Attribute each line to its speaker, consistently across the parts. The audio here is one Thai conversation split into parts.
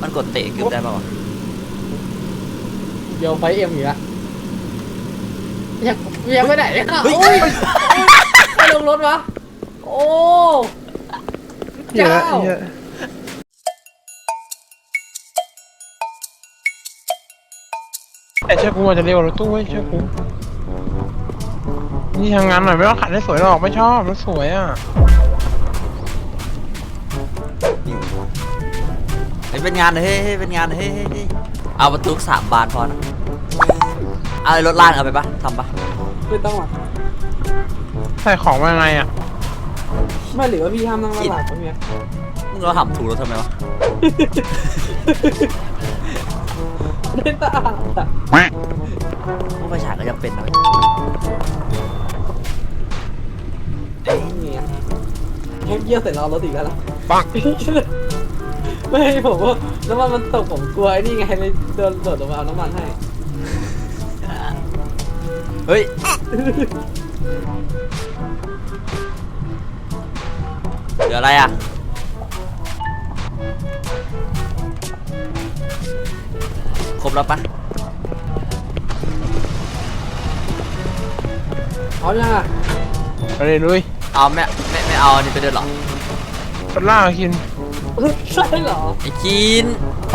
Speaker 1: มันกดเตะเกือบได้ป่าวะ
Speaker 2: เดี๋ยวไฟเอ็มอยู่ละยังไม่ไหนอ่ะ
Speaker 1: เฮ้ย
Speaker 2: โอ้ยใครลงรถวะโอ้เจ้า
Speaker 3: แต่เชื่อกูอาจจะเร็วรถตู้เว้ยเชื่อกูนี่ทางงานหน่อยไม่ต้องขัดให้สวยหรอกไม่ชอบรถสวยอ่ะ
Speaker 1: เฮ้ยเป็นงานเฮ้ยเป็นงานเฮ้ยเอาประตู3 บานพอนะเอารถล่างเอาไปปะทำปะ
Speaker 2: ไม่ต้องอ่ะ
Speaker 3: ใส่ของมาไงอ่ะ
Speaker 2: ไม่หรือว่าพี่ห้ามนั่งหลังตรงเนี้ย
Speaker 1: มึงเราหับถูกรถทำไมวะ
Speaker 2: เล่นตาอ่ะ
Speaker 1: มึงไฟฉายก็ยังเป็นนะเว้ย
Speaker 2: เนี่ยแค่เยี่ยวใส่ล้อรถอีกแล้วล่ะ
Speaker 3: ปัง
Speaker 2: ไม่ผมว่าน้ำมันตกผมกลัวไอ้นี่ไงเลยโดนโดดลงมาเอาน้ำมันให้
Speaker 1: เฮ้ยเดี๋ยวอะไรอ่ะครบแล้วปะ
Speaker 2: เอายังอ่ะ
Speaker 3: ไปเลยลุย
Speaker 1: เอาไม่เอาอันนี้ไปเดินหรอ
Speaker 3: รถล่างกิน
Speaker 2: ใช่เหรอ
Speaker 1: ไอ้กิน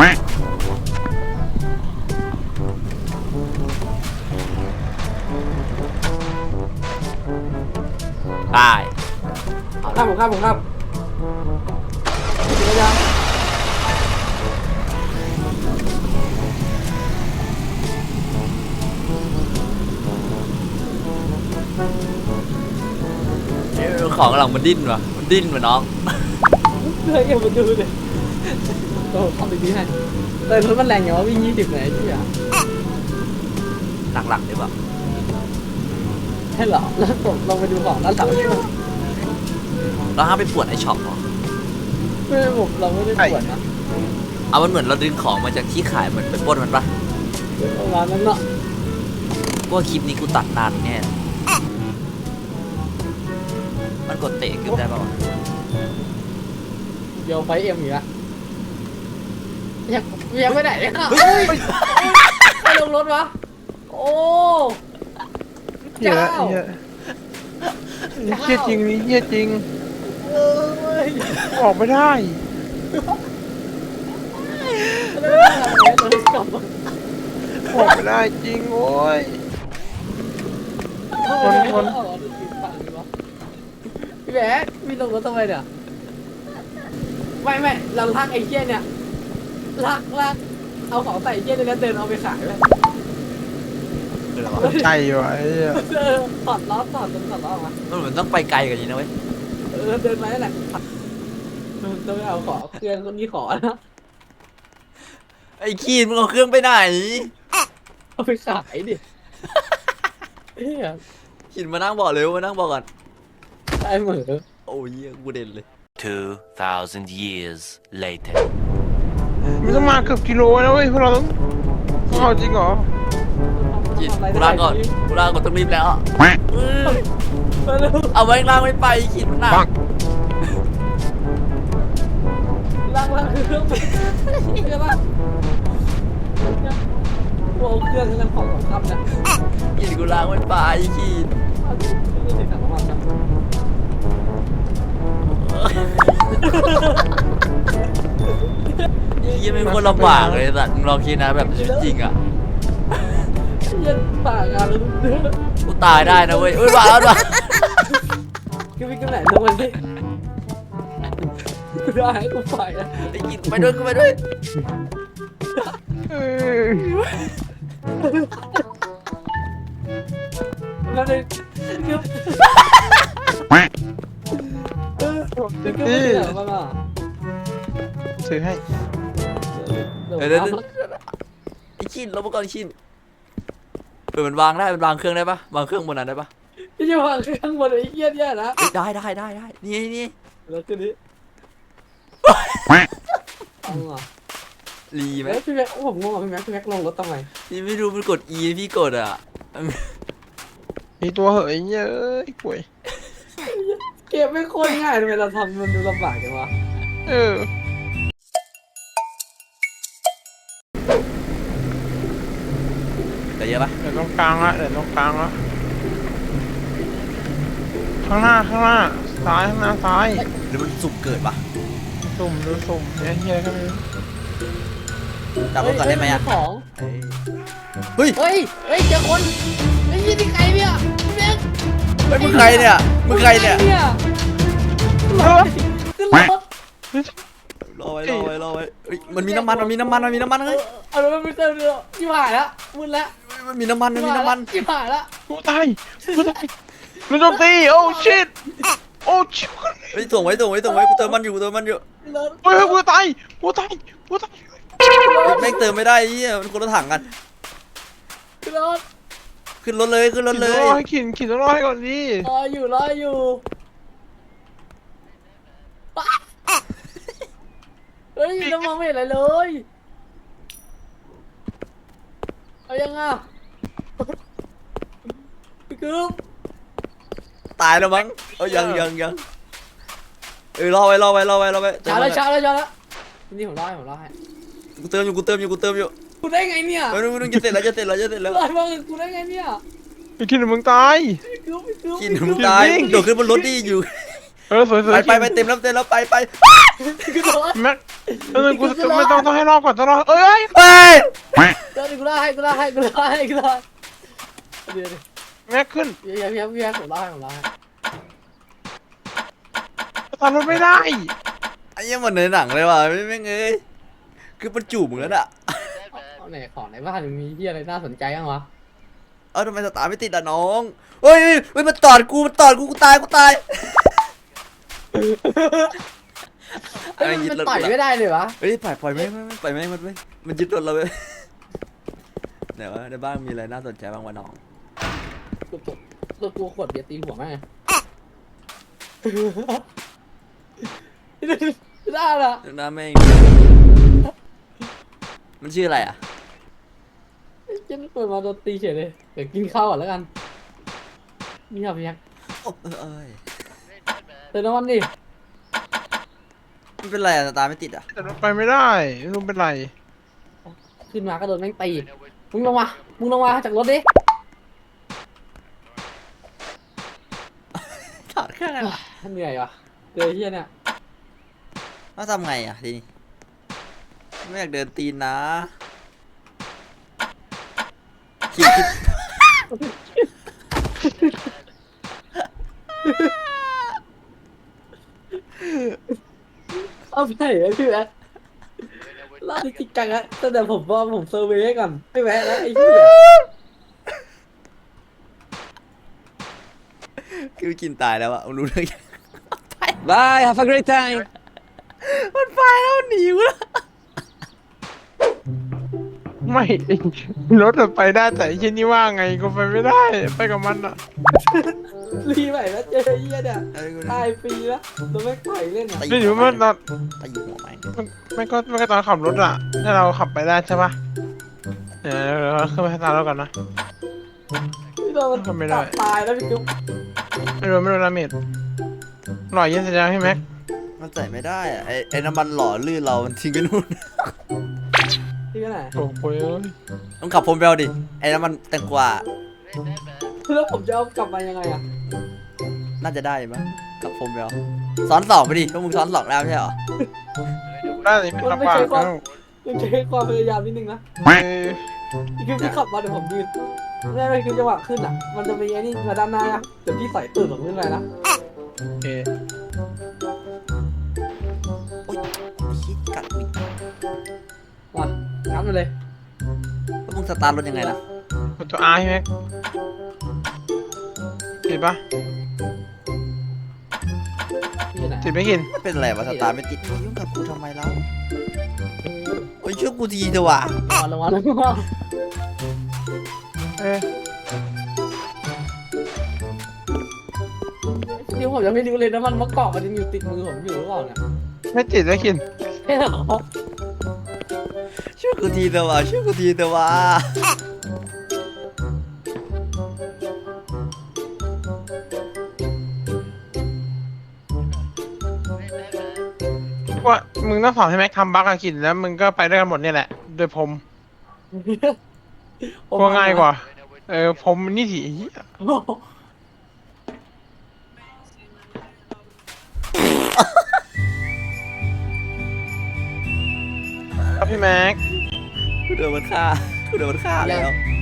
Speaker 1: ได้
Speaker 2: ผมครับเดี๋ยวยัง
Speaker 1: ของหลังมันดิ้นว่ะมันดิ้นว่ะน้อง
Speaker 2: เฮ้ยมาดูเลยโอ้ทำดีๆให้แต่รถมันแรงอย่างว่าวิ่ง20ไหนที่อ่ะ
Speaker 1: หลักๆดีกว่า
Speaker 2: ใช่เหรอแล้วผมลองไปดูของด้านหลัง
Speaker 1: เราห้ามไปปวดไอช็อปเหรอ
Speaker 2: ไม่ผมเราไม่ได้ปวดนะ
Speaker 1: เอามันเหมือนเราดึงของมาจากที่ขายเหมือนไปปล้นมันปะ
Speaker 2: ประมาณนั้นเนาะ
Speaker 1: พวกคลิปนี้กูตัดนานแน่มันกดเตะเกือบได้ป่าวะ
Speaker 2: เดี๋ยวไฟเอ็มอยู่ละยังไม่ไหนอ่ะ
Speaker 1: เฮ้ย
Speaker 2: ใครลงรถวะโอ้
Speaker 3: เหี้ยอะเหี้ยเหี้ยจริงนี่เหี้ยจริง
Speaker 2: เอ้ย
Speaker 3: ออกไม่ได้
Speaker 2: กลับมา
Speaker 3: ออกไม่ได้จริงโว้ย
Speaker 2: พี่แบ๊กพี่ลงรถทำไมเนี่ยไม่เราลากไอ้เหี้ยเนี่ยลากเอาของใส่ไอ้เหี้ยเนี่ยแล้วเดินเอาไปขายเลย
Speaker 3: ใจว่ะไอ้เหี้ย
Speaker 2: ถอดล้อถอดล้อออกมา
Speaker 1: มันเหมือนต้องไปไกลกว่านี้นะเว้ย
Speaker 2: เดินมาแล้วแหละต้องไปเอาของเครื่องคนนี้ขอนะ
Speaker 1: ไอ้คีนมึงเอาเครื่องไปไหน
Speaker 2: เอาไปขายดิเฮ้ย
Speaker 1: คีนมานั่งบอกเร็วมานั่งบอกก่อน
Speaker 2: ได้เหมือ
Speaker 1: โอ้ยกูเด่นเลย
Speaker 4: 2,000 years later.
Speaker 3: มันต้องมาเกือบกิโลนะเว้ยพวกเราต้องเอาจริงเหรอ
Speaker 1: คีนกูลาก่อนต้องรีบแล้ว
Speaker 2: มาเร็ว
Speaker 1: เอาไว้ล่างไม่ไปคีนมันหนัก
Speaker 3: ปัง
Speaker 2: ลากคือเครื่องใช่ปะโอ้เครื่องนั้นของสำคัญนะ
Speaker 1: คีนกูล่างไม่ไปคีนยี่ไม่คนลำบากเลยสัตว์มึงลองคิดนะแบบชีวิตจริงอ่ะ
Speaker 2: ยันปากอ่ะ
Speaker 1: กูตายได้นะเว้ยเอ้ยมาแล้วมา
Speaker 2: คือวิ่งกันไหนทุกวันนี้กูได้กูไปอ่ะ
Speaker 1: ไอ้กินไปด้วยกูไปด้วย
Speaker 3: เออ
Speaker 2: แล้วเลยคือ
Speaker 3: นี่
Speaker 2: บ้างอ่ะ
Speaker 3: ซื้อให้
Speaker 1: เดี๋ยวไอ้ชินลบมาก่อนชินมันวางได้มันวางเครื่องได้ปะวางเครื่องบนนั้นได้ปะ
Speaker 2: พี่จะวางข้างบนไอ้เหี้ยเนี่ยนะ
Speaker 1: ได้นี่
Speaker 2: แล้วคืนนี้เอาอ่ะ
Speaker 1: รีไหม
Speaker 2: แล้วพี่แม็กผมงงอ่ะพี่แม็กลงรถทำไม
Speaker 1: นี่ไม่รู้มันกด E พี่กดอ่ะ
Speaker 3: มีตัวเหยเยอะไอ้ป่วย
Speaker 2: เกมไม่โคตรง่ายทำไมเราทำมันดูลำบากจังวะ
Speaker 3: เออ
Speaker 1: อปะ
Speaker 3: เดี๋ยวตรงกลางละเดี๋ยวตรงกลางละข้างหน้าซ้ายข้างหน้าซ้าย
Speaker 1: หรือมันสุ่มเกิดปะ
Speaker 3: สุ่มดูสุ่มเนี่ยเฮียก็มี
Speaker 1: จับรถก่อนได้ไหมอ่ะ
Speaker 2: ของ
Speaker 1: เฮ้ย
Speaker 2: เฮ้ยเจอคนไอ้ยี่นี่ใครเนี่ยเบ็ก
Speaker 1: เฮ้ยมึงใครเนี่ยมึงใครเนี่ย
Speaker 3: เออ
Speaker 2: ขึ้นรถ
Speaker 1: รอไว้เฮ้ยมันมีน้ำมันเฮ้ย
Speaker 2: เอาแล้วมันไม่เติมเรือที่ผ่านแล้วมึนแล้ว
Speaker 1: มันมีน้ำมัน
Speaker 2: ที่ผ่านแล้ว
Speaker 3: กูตายมันโจมตีโอ้ชิตโอ้ชิต
Speaker 1: เฮ้ยส่งไว้กูเติมมันอยู่
Speaker 2: รถ
Speaker 3: เฮ้ยกูตาย
Speaker 1: แม่งเติมไม่ได้เหี้ยมันคนละถังกัน
Speaker 2: ขึ้นรถ
Speaker 1: ขึ้นรถเลย
Speaker 3: ขี่ต้องรอให้ก่อนดิ
Speaker 2: รออยู่เฮ้ยน้ำมันไม่เห็นอะไรเลยเอายังอ่ะพี่กึ๊บ
Speaker 1: ตายแล้วมั้งยังรอไว้
Speaker 2: ช้าแล้วนี่ผมรอให้
Speaker 1: กูเติมอยู่
Speaker 2: กูได้ไงเนี่ย
Speaker 1: ไม่รู้จะเสร็จแล้ว
Speaker 2: อะไรบ้างกูได้ไงเนี่ย
Speaker 3: ไอ้กินมึงตาย
Speaker 2: พี่กึ๊บ
Speaker 1: กินมึงตายโดดขึ้นบนรถดิอยู่
Speaker 3: สวย
Speaker 1: ไปเต็มแล้วไป
Speaker 2: พี่กึ๊บ
Speaker 3: แม็กกูไม่ต้องให้รอก่อนต้องรอเอ้ย
Speaker 1: เฮ้ย
Speaker 2: เดี๋ยวกูไล่ให้เดี๋ยว
Speaker 3: แม็กขึ้น
Speaker 2: พี่ผมไล่ให้
Speaker 3: ตามรถไม่ได้
Speaker 1: ไอ้ยังเหมือนในหนังเลยว่ะแม่งเอ้ยคือมันจูบมึงแล้วอ่ะ
Speaker 2: เอาไหนของในบ้านมีที่อะไรน่าสนใจบ้างวะ
Speaker 1: ทำไมสตาร์ทไม่ติดอ่ะน้องเฮ้ยมันตอดกูกูตาย
Speaker 2: เฮ้ยมันต่อยไม่ได้เลยวะ
Speaker 1: เฮ้ยปล่อยไม่มันยึดรถเราไปไหนวะในบ้านมีอะไรน่าสนใจบ้างวะน้อง
Speaker 2: ตัวขวดเบียร์ตีหัวแม่ได้ละ
Speaker 1: น้าแม่งมันชื่ออะไรอ่ะ
Speaker 2: เจ๊ไม่เปิดมาโดนตีเฉยเลยเดี๋ยวกินข้าวก่อนแล้วกันนี่ครับพี่ยักษ์
Speaker 1: เอ้ย
Speaker 2: เติมน้ำมันดิ
Speaker 1: มันเป็นไรอ่ะสตาร์ทไม่ติดอ่ะ
Speaker 3: แต่รถไปไม่ได้ไม่รู้เป็นไร
Speaker 2: ขึ้นมาก็โดนแม่งตีมึงลงมาจากรถดิ
Speaker 1: ถอดเครื่องอะไร
Speaker 2: เหนื่อยวะเจอเฮียเนี่ย
Speaker 1: ต้องทำไงอ่ะทีนี้ไม่อยากเดินตีนนะคิด
Speaker 2: เอาไปไหนอะพี่แอ๊ดล่าจริงจังอะแต่ผมว่าผมเซอร์เวย์ก่อนไม่แวะแล้วไอ้เหี้ย
Speaker 1: คือกินตายแล้วอ่ะรู้เรื่องยัง
Speaker 2: Bye have a great time
Speaker 1: มันไปแล้วหนีวะ
Speaker 3: ไม่รถไปได้แต่ไอ้ชิ้นนี้ว่าไงกูไปไม่ได้ไปกับมันอ่ะ
Speaker 2: รีใหม่แล้วเจอไอ้เหี้ยเนี่ยตายฟรีแล้วตัวแม่งปล่อยเล่นอะ
Speaker 3: ไม่รู้ว่าตอน
Speaker 1: ตีหัวไหม
Speaker 3: ไม่ก็ตอนขับรถอ่ะถ้าเราขับไปได้ใช่ปะเดี๋ยวเราขึ้นไปให้ตามแล้วก่อนนะ
Speaker 2: พี่โดนมัน
Speaker 3: ทำไม่ได้
Speaker 2: ตายแล้วพี่กุ๊บ
Speaker 3: ไม่รู้ดาเมจหล่อเย็นสัญญาให้แม็ก
Speaker 1: มันใส่ไม่ได้อ่ะไอ้น้ำมันหล่อลื่นเรามันทิ้งไปนู่น
Speaker 2: ที่ไหน
Speaker 3: โอ้โห
Speaker 1: ต้องขับพรมเบลดิไอ้น้ำมันแตงกวา
Speaker 2: แล้วผมจะเอากลับมายังไงอะ
Speaker 1: น่าจะได้มั้งขับพรมเบลซ้อนสองไปดิพวกมึงซ้อนสองแล้วไม่ใช่เหรอ
Speaker 3: ได้เลยเป็นลำบากแล้ว
Speaker 2: ต้องใช้ความพยายามนิดนึงนะ
Speaker 3: เออ
Speaker 2: พี่กุ๊บพี่ขับมาเดี๋ยวผมยืนไม่คือจังหวะขึ้นอะมันจะมีไอ้นี่มาด้านหน้าอะเดี๋ยวพี่ใส่ตื่นผมขึ้นไปนะ
Speaker 3: โอเค
Speaker 1: โอ๊ยชิดกัดอีก
Speaker 2: ว่ะงัดมาเลย
Speaker 1: แล้วมึงสตาร์ทรถยังไงล่ะ
Speaker 3: กดตัว R ให้แม็กติดปะ
Speaker 2: พี่อยู่ไหน
Speaker 3: ติดไม่กิน
Speaker 1: มันเป็นอะไรวะสตาร์ทไม่ติดยุ่งกับกูทำไมเล่าโอ้ยช่วยกูทีเถอะวะ
Speaker 2: ลงมา
Speaker 3: เออ
Speaker 2: เดี๋ยวผมยังไม่รู้เลยนะมันมะกอกมันยังอยู่ติดมือผมอยู่หรือเปล่าเนี่ย
Speaker 3: ไม่ติดไม่กิน
Speaker 2: ใช่เหรอ
Speaker 1: ช่วยกูทีเถอะวะช่วยกูทีเถอะวะ
Speaker 3: ว่ามึงต้องสอนให้แม็กทำบั๊กอะกินแล้วมึงก็ไปด้วยกันหมดเนี่ยแหละโดยผม
Speaker 2: ผม
Speaker 3: กลัวง่ายกว่า ผมนี่ถีเหี้ย
Speaker 2: โอ้โห
Speaker 3: ครับพี่แม็ก
Speaker 1: กูโดนมันฆ่าแล้ว